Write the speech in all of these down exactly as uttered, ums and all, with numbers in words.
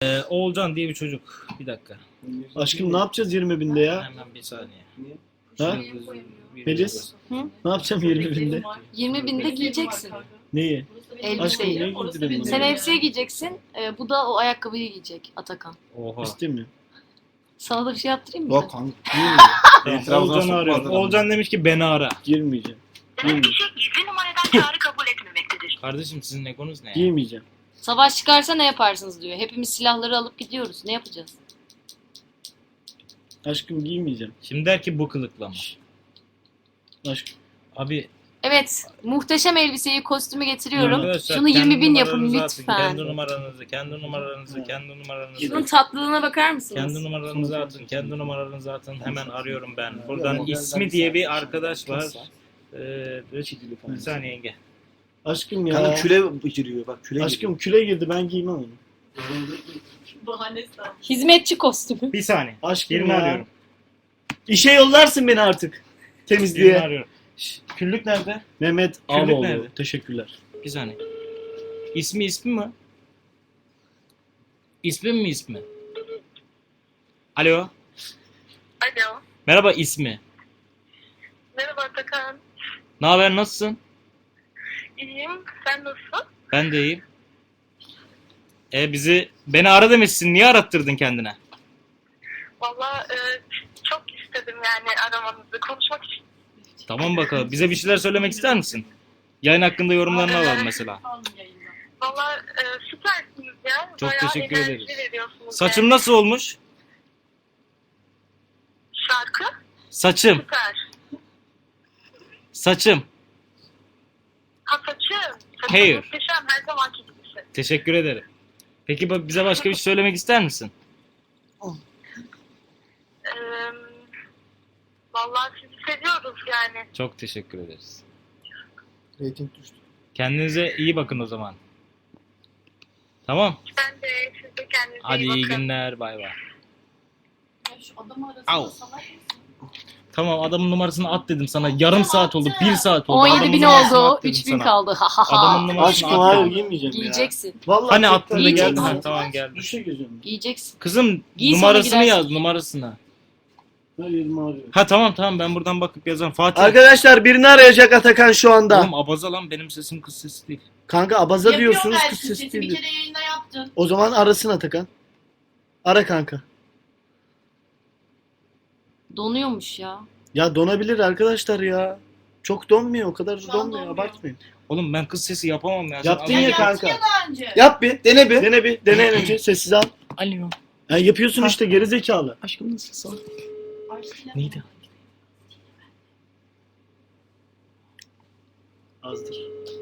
Ee, Oğulcan diye bir çocuk. Bir dakika. Aşkım ne yapacağız yirmi binde ya? Hemen bir saniye. Ha? Feliz? Hı? Ne yapacağım yirmi binde? yirmi binde giyeceksin Neyi? Aşkım elbiseyi. neye giydirin bunu? Sen elbiseyi giyeceksin, e, bu da o ayakkabıyı giyecek Atakan. Oha. İstemiyorum. Sana da bir şey yaptırayım mı? Yok kanka. Girmeyeceğim. Tamam, Oğulcan'ı arıyorum. Oğulcan demiş ki beni ara. Girmeyeceğim. Demek kişi gizli numaradan çağrı kabul etmemektedir. Kardeşim sizin egonuz ne ya? Giymeyeceğim. Savaş çıkarsa ne yaparsınız diyor. Hepimiz silahları alıp gidiyoruz. Ne yapacağız? Aşkım giymeyeceğim. Şimdi der ki bu kılıkla mı? Aşkım. Abi Evet, muhteşem elbiseyi, kostümü getiriyorum. arkadaşlar, Şunu kendi yirmi bin yapın numaranızı atın, lütfen. Kendi numaranızı, kendi numaranızı, kendi numaranızı. Şunun tatlılığına bakar mısınız? Kendi numaranızı atın, kendi numaranızı atın. Hemen arıyorum ben. Buradan ismi diye bir arkadaş var. Ee, bir saniye yenge. Aşkım ya. Kanka küle giriyor bak küle Aşkım küle girdi ben giymem onu. Hizmetçi kostümü. Bir saniye. Aşkım Birini ya. arıyorum. İşe yollarsın beni artık. Birini Temizliğe. arıyorum. Şş, küllük nerede? Mehmet Küllük Ağaoğlu. nerede? Teşekkürler. Bir saniye. İsmi ismi mi? İsmi mi ismi? Alo. Alo. Merhaba ismi. Merhaba Atakan. Ne haber nasılsın? İyiyim. Sen nasılsın? Ben de iyiyim. E bizi beni ara demişsin. Niye arattırdın kendine? Valla e, çok istedim yani aramanızı. Konuşmak için. Tamam bakalım. Bize bir şeyler söylemek ister misin? Yayın hakkında yorumlarını alalım mesela. Valla e, süpersiniz ya. Çok Bayağı teşekkür enerji ederiz. veriyorsunuz Saçım yani. nasıl olmuş? Şarkı Saçım. süper. Saçım. Ha saçım. Saçım Hair. muhteşem. Her zamanki gibisi. Teşekkür ederim. Peki ba- bize başka bir şey söylemek ister misin? E, Valla sizi seviyoruz yani. Çok teşekkür ederiz. Rating düştü. Kendinize iyi bakın o zaman. Tamam. Ben de siz de kendinize Hadi iyi iyi bakın. günler. Bay bay. Şu adamı arasana Au. salak mısın? Tamam adamın numarasını at dedim sana. Yarım saat oldu. Bir saat oldu. on yedi Adamın bin numarasını oldu. at dedim üç bin sana. kaldı. Ha ha Adamın ha. numarasını Aşkım at hayır dedim. giymeyeceğim ya. Giyeceksin. Vallahi Hani çok attın da Giyeceksin. geldin. Ha, Hadi. tamam geldim. Duşa gireceğim. Giyeceksin. Kızım Giy sonra numarasını girersin. yaz numarasını. Hayır arıyorum. Ha tamam tamam ben buradan bakıp yazarım. Fatih. Arkadaşlar birini arayacak Atakan şu anda. Oğlum abaza lan benim sesim kız sesi değil. Kanka abaza Yapıyor diyorsunuz belki, kız sesi sesi bir değil. kere yayında yaptın. O zaman arasın Atakan. Ara kanka. Donuyormuş ya. Ya donabilir arkadaşlar ya. Çok donmuyor o kadar da Şu an donmuyor donmuyor. abartmayın. Oğlum ben kız sesi yapamam ya. Sen Yaptın az ya önce- kanka. Ya daha önce. Yap bir dene bir. Dene bir. Dene en önce sessiz al. Alo. Ya yapıyorsun işte geri zekalı. Aşkım nasılsın? Aşkıyla- Neydi? Azdır.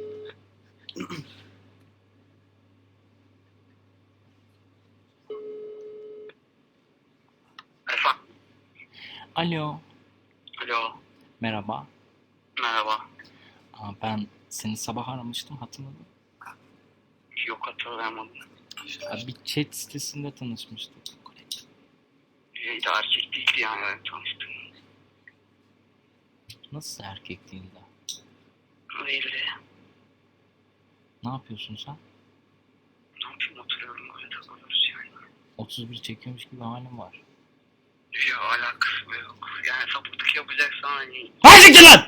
Efendim. Alo. Alo. Merhaba. Merhaba. Aa, ben seni sabah aramıştım hatırladın. Yok hatırlayamadım. Ya, bir chat sitesinde tanışmıştık. İyi de erkek değildi yani ben tanıştım. Nasıl erkek değil de? Değildi. Ne yapıyorsun sen? Ne yapayım oturuyorum öyle takılıyoruz yani. otuz bir çekiyormuş gibi halim var. Yok alakası yok. Yani sapıklık yapacaksan hani... Hadi lan!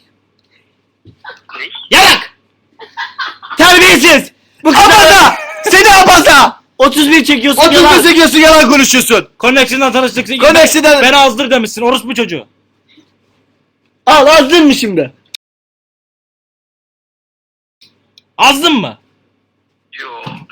Ne? Yalak! Terbiyesiz! Bu abaza! Seni abaza! otuz bir çekiyorsun otuz yalan. bir sekiyorsun yalan konuşuyorsun. Connection'dan tanıştık. Connection'dan- Beni azdır demişsin orospu çocuğu. Al azdın mı şimdi? Azdın mı? Yok.